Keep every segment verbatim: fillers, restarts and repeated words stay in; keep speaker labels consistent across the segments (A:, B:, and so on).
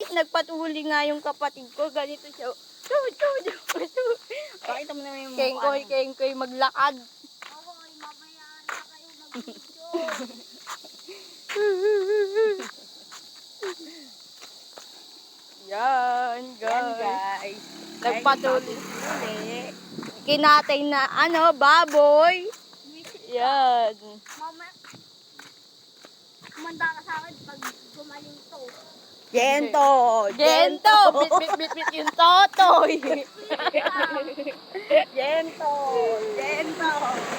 A: nagpatuli nga yung kapatid ko. Ganito siya. Chu, chu, chu, chu.
B: Pakita mo naman yung mukha.
A: Kengkoy, kengkoy maglakad.
C: Oy, mamaya na kayo mag-video.
A: Yan,
B: Yan
A: guys.
B: guys.
A: Nagpatuli.
B: Uli.
A: Kinatay na, ano, baboy. Yan.
C: Mama, kumanda ka sa akin pag gumaling to.
B: Gento.
A: Gento! Bit, bit, bit, bit yung totoy.
B: Gento. Gento.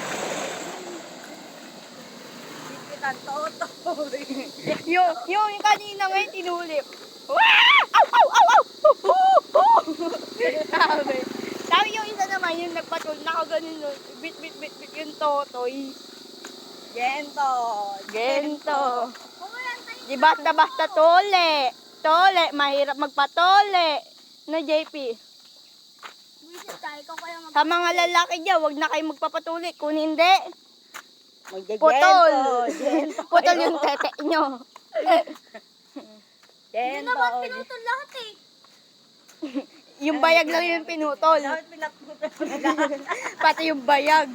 B: Bit ang toto.
A: yung, yung kanina ngayon tinuli. Wah! Aw, aw, aw, aw! Hu, hu, hu! Sabi. Sabi yung isa naman, yung nagpatul, nakaganon nun. Bit, bit, bit, bit yung totoy.
B: Gento.
A: Gento.
C: Kumulan tayo.
A: Di basta-basta tole. Tole, mahirap magpatole. No, J P?
C: Visit tayo, ikaw kaya mag-
A: Sa mga lalaki dyan, wag na kayo magpapatuli. Kung hindi,
B: Magge-gento.
A: putol.
B: Gento.
A: Putol yung tete nyo.
C: Hindi
B: Gento.
C: naman pinutol lahat eh.
A: Yung bayag lang yung pinutol.
B: Dapat pinaputol mo na lahat.
A: Pati yung bayag.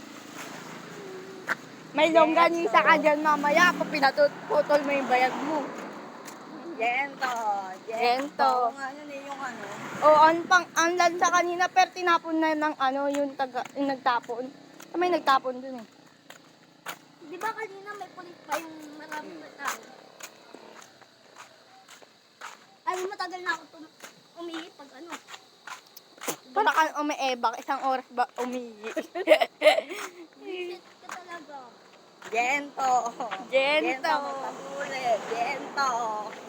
A: May longganisa ka dyan mamaya kung pinatutol mo yung bayag mo.
B: Gento.
A: Gento.
B: Kung ano na yung ano.
A: O, ang pang, ang lansa kanina, pero tinapon na ng ano, yung, taga, yung nagtapon. May nagtapon dun eh.
C: Di ba kanina may pulis pa yung maraming tao? Ay, matagal na ako tum- umihi pag ano.
A: Para kang umiebak, isang oras ba umiyi.
C: Visit ka talaga.
B: Gento.
A: Gento.
B: Gento. Magpatuli. Gento.